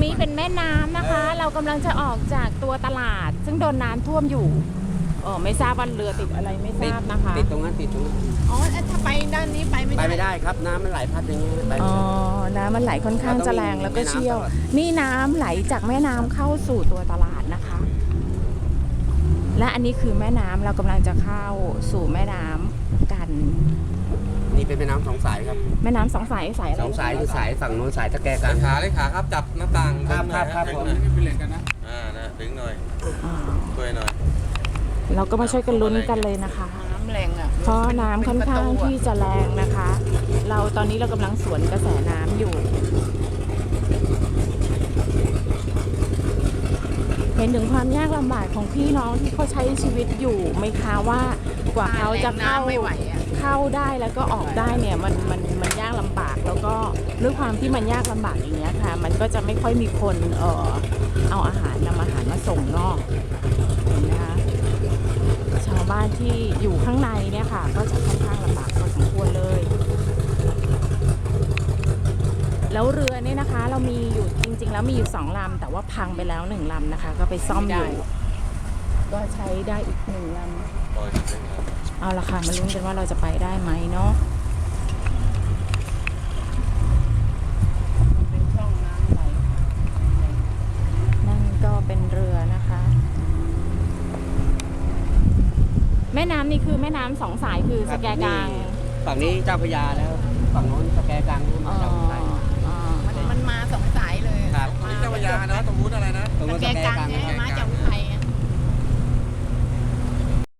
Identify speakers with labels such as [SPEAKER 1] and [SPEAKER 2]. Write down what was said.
[SPEAKER 1] นี้เป็นแม่น้ำนะคะ เรากำลังจะออกจากตัวตลาด ซึ่งโดนน้ำท่วมอยู่ไม่ทราบว่าเรือติดอะไรไม่ทราบนะคะ
[SPEAKER 2] ติดตรงนั้น
[SPEAKER 3] อ๋อถ้าไปด้านนี้ไปไม่ได้
[SPEAKER 2] ครับน้ำมันไหลพัดอย่างนี้ไป
[SPEAKER 1] น้ำมันไหลค่อนข้างจะแรงแล้วก็เชี่ยวนี่น้ำไหลจากแม่น้ำเข้าสู่ตัวตลาดนะคะ และอันนี้คือแม่น้ำเรากำลังจะเข้าสู่แม่น้ำกัน
[SPEAKER 2] นี่เป็นแม่น้ำสองสายครับ
[SPEAKER 1] แม่น้ำสองสายสายอะไร
[SPEAKER 2] สองสายคือสายฝั่งโน้นสายตะแกรงกัน
[SPEAKER 4] เลยขาครับจับหน้าต่าง
[SPEAKER 2] ครับผม
[SPEAKER 4] เป็นเหรียญกันนะนะดึงหน่อยช่วยหน่อย
[SPEAKER 1] เราก็มาช่วยกันลุ้นกันเลยนะคะ
[SPEAKER 3] น้ำแรงอ่ะ
[SPEAKER 1] เพราะน้ำค่อนข้างที่จะแรงนะคะ ตอนนี้เรากำลังสวนกระแสน้ำอยู่เห็นถึงความยากลำบากของพี่น้องที่เขาใช้ชีวิตอยู่ไหมคะว่ากว่าเขาจะเข้าได้แล้วก็ออกได้เนี่ยมันยากลำบากแล้วก็ด้วยความที่มันยากลำบากอย่างเงี้ยค่ะมันก็จะไม่ค่อยมีคนเอาอาหารนำอาหารมาส่งนอกเห็นไหมคะชาวบ้านที่อยู่ข้างในเนี่ยค่ะก็จะค่อนข้างลำบากพอสมควรเลยแล้วเรือเนี่ยนะคะเรามีอยู่จริงๆแล้วมีอยู่2 ลำแต่ว่าพังไปแล้ว1 ลำนะคะก็ไปซ่อมอยู่ก็ใช้ได้อีก1 ลำเอาละค่ะมาลุ้นกันว่าเราจะไปได้ไหมเนาะ
[SPEAKER 3] เป็นช่องน้ำไหล
[SPEAKER 1] นั่นก็เป็นเรือนะคะแม่น้ำนี่คือแม่น้ำ2 สายคือสแกกลาง
[SPEAKER 2] ฝั่งนี้เจ้าพระยาแล้วฝั่งโน้นสแกกลางมาเจ้าพระยา
[SPEAKER 3] มันมา2 สายเลย
[SPEAKER 2] ครับ
[SPEAKER 4] นี่เจ้าพระยานะตรงนู้นอะไรนะ
[SPEAKER 2] ตรงนู้นสแกกลาง
[SPEAKER 3] มา